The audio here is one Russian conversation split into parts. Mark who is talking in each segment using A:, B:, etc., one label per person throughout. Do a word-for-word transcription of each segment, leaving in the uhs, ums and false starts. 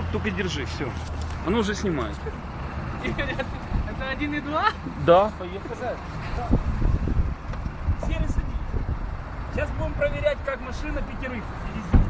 A: только держи, все. Оно уже снимает.
B: Это один и два?
A: Да, поехали. Серый садись. Сейчас будем проверять, как машина пятерых везет.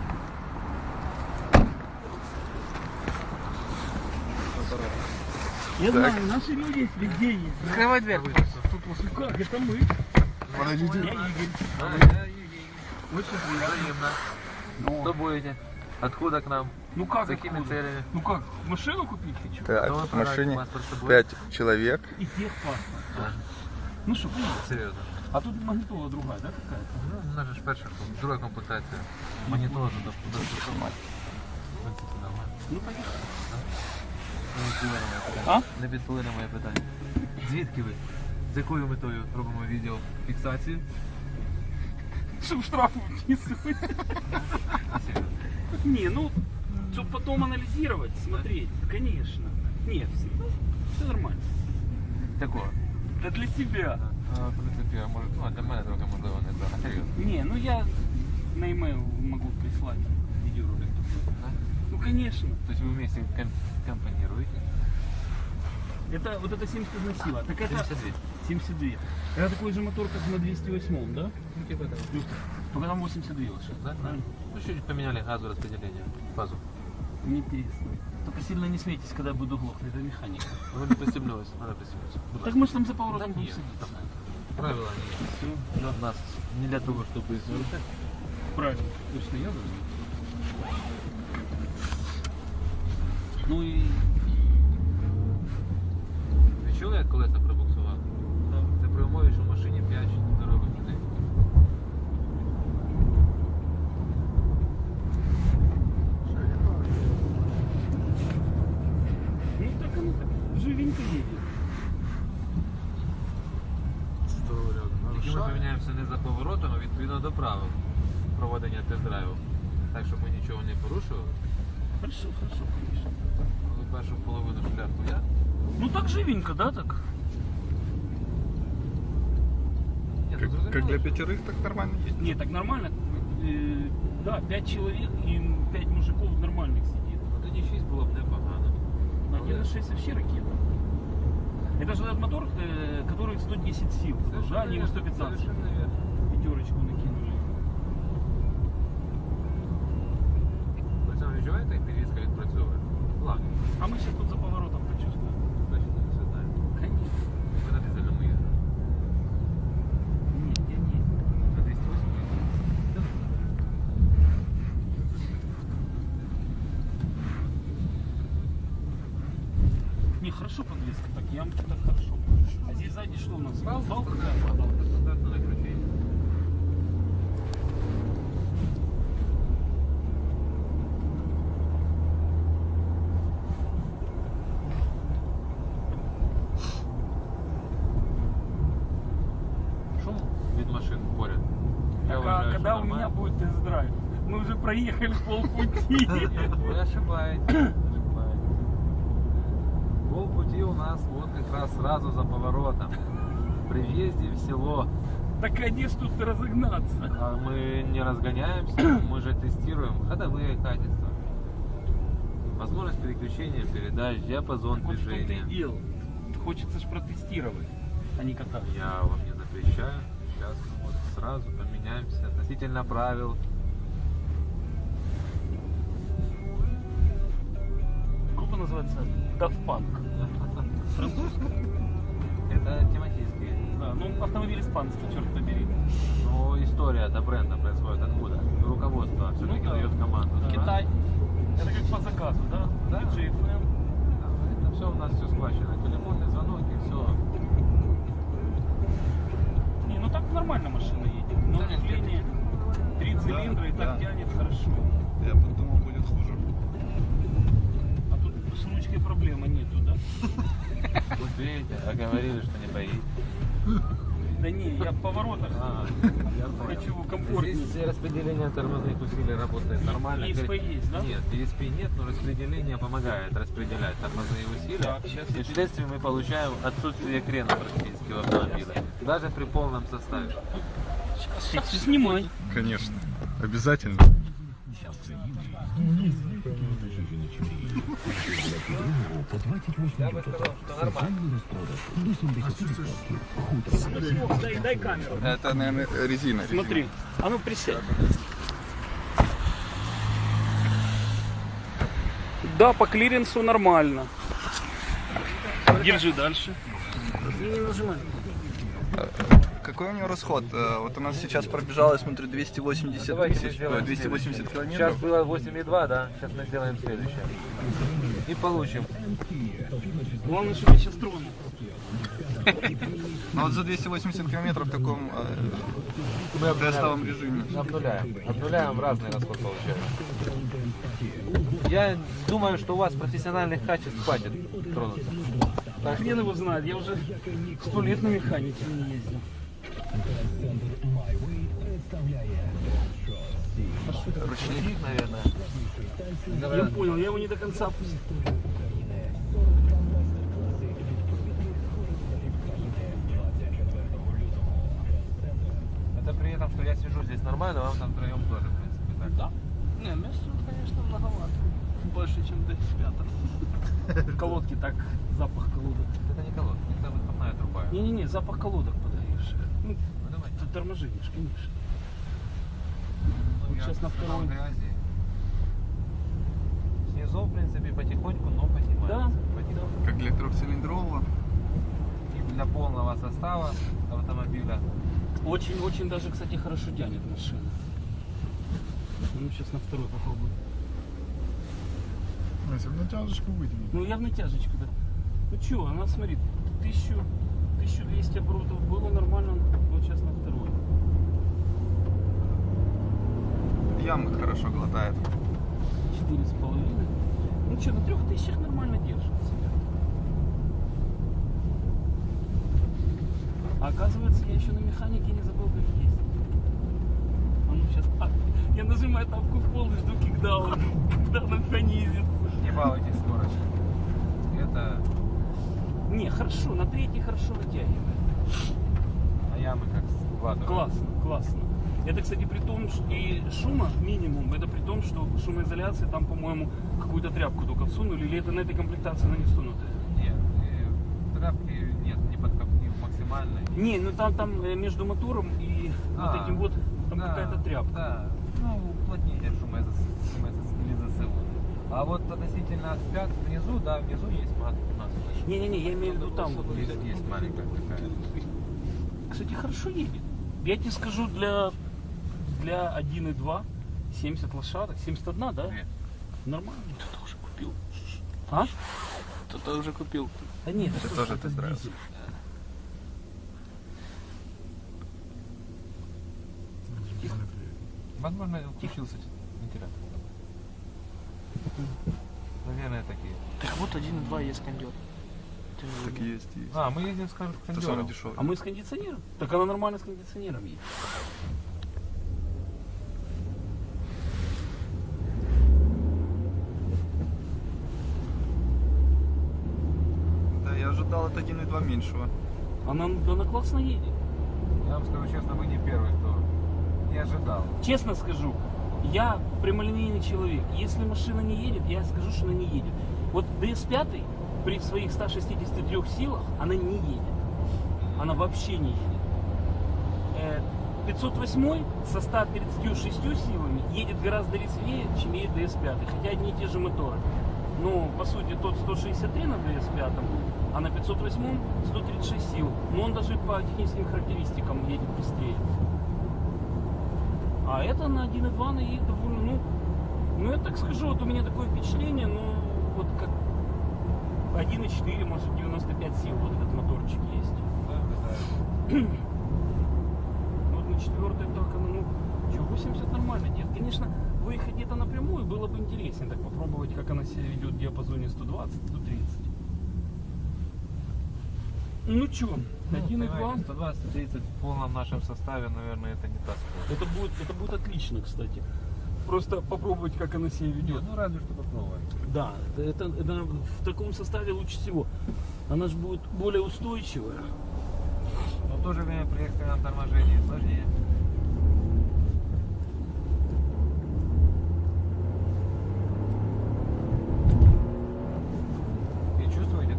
A: Я
C: Так.
A: знаю, наши люди везде есть.
B: Открывай дверь.
A: Ну как, это мы.
C: Подождите.
A: Я Игорь.
D: А, я Евгений.
A: Очень приятно.
D: Взаимно.
A: Ну,
D: Кто будете? Откуда к нам?
A: ну как,
D: С какими
A: откуда?
D: целями?
A: Ну как, машину купить хочу?
C: Так,
D: Кто
C: в машине
D: паспорт с собой?
C: пять человек.
A: И техпаспорт.
D: А,
A: Ну что, поехали.
D: серйозно.
A: А тут магнитола другая, да, какая-то?
D: Ну, у нас же ж перша, друга комплектація. Монітор до доступу.
A: Ну поехали.
D: Не відповіли на моє
A: А?
D: питання. Не відповіли на моє питання. Звідки ви? З якою метою робимо відеофіксацію?
A: Чтобы штраф выписывать.
D: Серйозно.
A: Не, ну, чтобы потом анализировать, смотреть, конечно. Нет, все, ну, все нормально.
D: Такого.
A: Это для себя.
D: А, в принципі, а може, ну, а для мене трохи можливо не так. А серйозно.
A: Не, ну я на e-mail могу прислать видеоролик.
D: Да?
A: Ну, конечно.
D: Тобто ви вместе ком- компонируете?
A: Это вот это семьдесят одна сила. Так это
D: семьдесят две.
A: семьдесят два. Это такой же мотор, как на двести восемь, да?
D: Ну, типа того.
A: Только там восемьдесят два лошадки.
D: Да?
A: Правильно?
D: Ну, чуть поменяли газораспределение, фазу.
A: Мне интересно. Только сильно не смейтесь, когда я буду глохнуть, это механика.
D: Ну, не пристебнулись, надо пристебнуться.
A: Так мы же там за поворотом
D: Да
A: будем
D: нет.
A: садиться.
D: Правила нет.
A: Все, да.
D: У нас не для того, чтобы извлекать.
A: Правильно. Точно, я должен. Ну и...
D: Ви чули, як колеса пробуксував? Це при умові, що в машині п'ять здорових людей.
A: Ну так оно так. Живенько едет.
D: Тільки ми поміняємося не за поворотом, а відповідно до правил проведення тест-драйву. Так, щоб ми нічого не порушували.
A: Хорошо, хорошо, конечно.
D: Коли першу половину шляху я,
A: Ну так живенько, да, так?
D: Ні,
C: Как,
D: ну, зрозуміло,
C: как для
D: що-
C: пятерых, так нормально едет.
A: Не, так нормально. Э, да, пять человек и пять мужиков нормальных сидит.
D: Ну, тоді шість було б непогано.
A: один на шесть вообще ракета. Это же этот мотор, э, который сто десять сил, да, не сто пятнадцать.
D: Совершенно верно.
A: Пятерочку накинули.
D: Ви сам відчуваєте, як підвізка відпрацьовує? Ладно,
A: А мы сейчас тут за поворотом почувствуем.
D: значить, не все знаємо.
A: Конечно.
D: Ви на дизельному їздили.
A: Нет, я не.
D: На двісті вісім.
A: Не, хорошо подвеска, так ямки так хорошо. А здесь сзади что у нас? Балка?
D: Балка стандартно на ключі.
A: Шум?
D: Від машин поряд. Я
A: Так, а
D: вважаю,
A: когда
D: що
A: у меня
D: нормально.
A: будет тест-драйв? Мы уже проехали полпути.
D: Вы ошибаетесь. ошибаетесь. Полпути у нас вот как раз сразу за поворотом. При въезде в село.
A: Так а где ж тут разогнаться?
D: А мы не разгоняемся, мы же тестируем ходовые качества. Возможность переключения передач, диапазон
A: Вот в том-то и
D: движения.
A: дело. Хочется ж протестировать, а не кататься.
D: Я вам не запрещаю. Сейчас мы вот сразу поменяемся относительно правил.
A: Группа называется Daft Punk.
D: Это тематические.
A: Да, ну автомобиль испанский, черт побери.
D: Но история этого бренда происходит откуда? Руководство все-таки
A: да.
D: дает команду. да?
A: Китай. Это как по заказу, да?
D: Да.
A: ди джей эф эм.
D: Это все у нас все схвачено. Телефонный звонок и все.
A: Не, ну так нормально машина едет. Но
D: Да, нет,
A: вживление, три цилиндра и так
C: да.
A: тянет хорошо.
C: Я подумал, будет хуже.
A: А тут с ручкой проблемы нету, да?
D: Вот видите, а говорили, что не поедете.
A: Да не, я в поворотах
D: А, я понял.
A: хочу комфортнее.
D: Здесь распределение тормозных усилий работает нормально.
A: И эс пи есть, да?
D: Нет, и эс пи нет, но распределение помогает распределять тормозные усилия.
A: Так, сейчас
D: И вследствие мы получаем отсутствие крена практически в автомобиле. Даже при полном составе.
A: Сейчас снимай.
C: Конечно. Обязательно.
D: Я бы сказал, что нормально.
A: Дай, дай камеру.
C: Это, наверное, резина.
A: Смотри, а ну присядь. Да, по клиренсу нормально. Держи дальше. Не нажимай.
C: Какой у него расход? Э, Вот у нас сейчас пробежало, я смотрю, двести восемьдесят
D: Давайте
C: тысяч,
D: сделаем
C: э, двести восемьдесят
D: Сейчас
C: километров.
D: было восемь и два, да? Сейчас мы сделаем следующее. И получим.
A: Главное, чтобы я сейчас тронул.
C: Но вот за двести восемьдесят километров в таком э,
D: Мы
C: тестовом режиме.
D: Обнуляем. Обнуляем, разный расход получается. Я думаю, что у вас профессиональных качеств хватит тронуться. Так что
A: Хрен его знает, я уже сто лет на механике не ездил.
D: ручник, наверное.
A: Я понял, я его не до конца пустил.
D: Это при этом, что я сижу здесь нормально, вам там втроем тоже, в принципе, так.
B: Да. Не, места, конечно, многовато. Больше, чем до пятого.
A: В колодке так запах колодок.
D: Это не колодка, это выхлопная труба.
A: Не-не-не, запах колодок подаешь. Ну,
D: Ну давай.
A: ты торможенишь, конечно.
D: Ну,
A: Вот
D: я
A: сейчас на
D: сказал
A: второй.
D: грязи. Снизу, в принципе, потихоньку, но поднимается.
A: Да,
D: Потихоньку.
C: Как для трехцилиндрового.
D: И для полного состава автомобиля.
A: Очень-очень даже, кстати, хорошо тянет машина. Ну, сейчас на второй попробую.
C: Если бы натяжечку вытянуть.
A: Ну, я в натяжечку, да. Ну, чё, она, смотри, тысячу, тысячу двести оборотов было нормально, вот сейчас на второй.
C: Ямы хорошо глотает.
A: Четыре с половиной. Ну, что, на трех тысячах нормально держит себя. А оказывается, я еще на механике не забыл, как ездить. А ну, сейчас... А, я нажимаю тапку в пол и жду кикдауна, когда она понизится.
D: Не балуйтесь скорость. Это...
A: Не, хорошо, на третий хорошо вытягивает.
D: А ямы как складывают.
A: Классно, классно. Это, кстати, при том, что и шума минимум, это при том, что шумоизоляция там, по-моему, какую-то тряпку только всунули, или это на этой комплектации она не всунутая?
D: Нет, и тряпки нет, не под не максимальной.
A: Не, ну там, там э, между мотором и
D: А,
A: вот этим вот, там
D: да,
A: какая-то тряпка.
D: Да, ну уплотнение шумоизоляции. А вот относительно пят внизу, да, внизу есть мат у нас.
A: Не-не-не, я имею в виду там вот.
D: Есть, есть маленькая такая.
A: Кстати, хорошо едет. Я тебе скажу, для, для один и два семьдесят лошадок, семьдесят один, да?
D: Нет.
A: Нормально. Кто-то уже купил. А?
B: Кто-то уже купил.
A: Да нет,
C: Ты
A: это
C: тоже
A: это
C: тест-драйв.
A: дизель.
D: Возможно, включился вентилятор. Наверное, такие.
B: Так вот один и два есть кондер.
C: Так есть, есть.
D: А, мы едем с кон-
C: Это самый
D: кондером.
C: дешевый.
A: А мы с кондиционером? Так она нормально с кондиционером едет.
C: Да, я ожидал от один и два меньшего.
A: Она, она классно едет.
D: Я вам скажу честно, вы не первый, кто не ожидал.
A: Честно скажу, я прямолинейный человек. Если машина не едет, я скажу, что она не едет. Вот ди эс пять при своих ста шестидесяти трёх силах она не едет. Она вообще не едет. Э, пятьсот восемь со ста тридцатью шестью силами едет гораздо резвее, чем едет ди эс пять. Хотя одни и те же моторы. Но по сути тот сто шестьдесят три на ди эс пять, а на пятьсот восемь сто тридцать шесть сил. Но он даже по техническим характеристикам едет быстрее. А это на один и два она едет довольно, ну, ну я так скажу, вот у меня такое впечатление, ну, вот как один и четыре, может девяносто пять сил вот этот моторчик есть. Вот на четвертой только, ну, что, восемьдесят нормально делает. Конечно, выехать где-то напрямую было бы интереснее, так попробовать, как она себя ведет в диапазоне сто двадцать сто тридцать. Ну что, один и два.
D: сто двадцать тридцать в полном нашем составе, наверное, это не та скорость.
A: Это будет, это будет отлично, кстати. Просто попробовать, как она себя ведет.
D: Ну, разве что попробовать.
A: Да, это, это, это в таком составе лучше всего. Она же будет более устойчивая.
D: Но в то же время при экстренном торможении сложнее.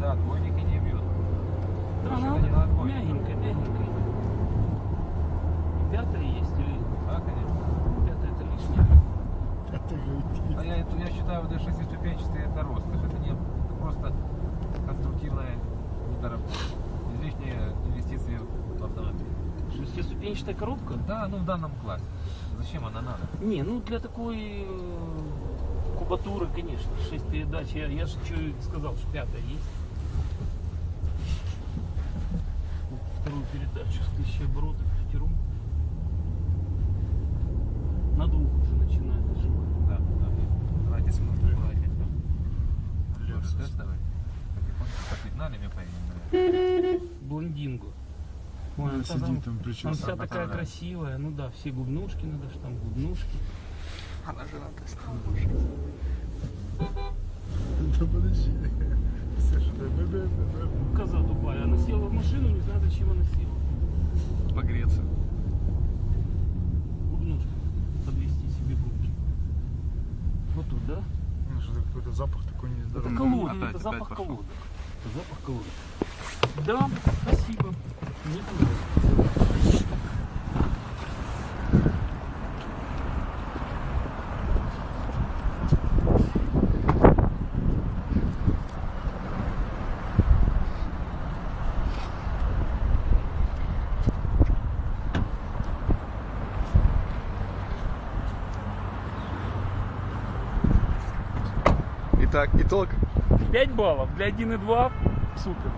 D: Да, отбойники не бьют.
A: Да,
D: Машина
A: она
D: не на отбойнике.
A: мягенькая, мягенькая. Пятая есть или
D: Да, конечно.
A: пятая это лишнее?
D: А я, это- я считаю, вот шестиступенчатый это роскошь. Это не это просто конструктивная недоработка. Излишние инвестиции в автомобиль.
A: Шестиступенчатая коробка?
D: Да, ну в данном классе. Зачем она надо?
A: Не, ну для такой э, кубатуры, конечно, шесть передач. Я, я же что и сказал, что пятая есть. Вот вторую передачу с тысячи оборотов пятером. На двух уже начинает нажимать.
D: Да, да. Давайте смотрим. Тестовый. Потихоньку подпитнали, мне поедем.
A: Блондинго. Ой, она
E: Сидит
A: там,
E: там
A: она
E: прическа.
A: вся такая
D: направляет.
A: красивая. Ну да, все губнушки надо, что там губнушки.
C: Она же на тестовом машине.
E: Да подожди. Слушай, да, да, да, да, да.
A: Коза тупая. Она села в машину, не знаю, зачем она села.
C: Погреться.
A: Губнушки. Подвести себе губки. Вот тут, да?
E: Ну, что-то какой-то запах такой
A: Это
E: нездоровый.
A: колодок,
C: Опять,
A: это
C: опять
A: запах
C: пошло.
A: колодок. Это запах колодок. Да, спасибо. Мне понравилось.
C: Итак, итог.
A: пять баллов для один и два. Супер.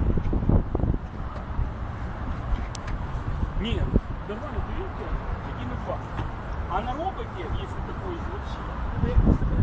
A: Нет, нормально, ты видите, один и два. А на роботе, если такой, вообще,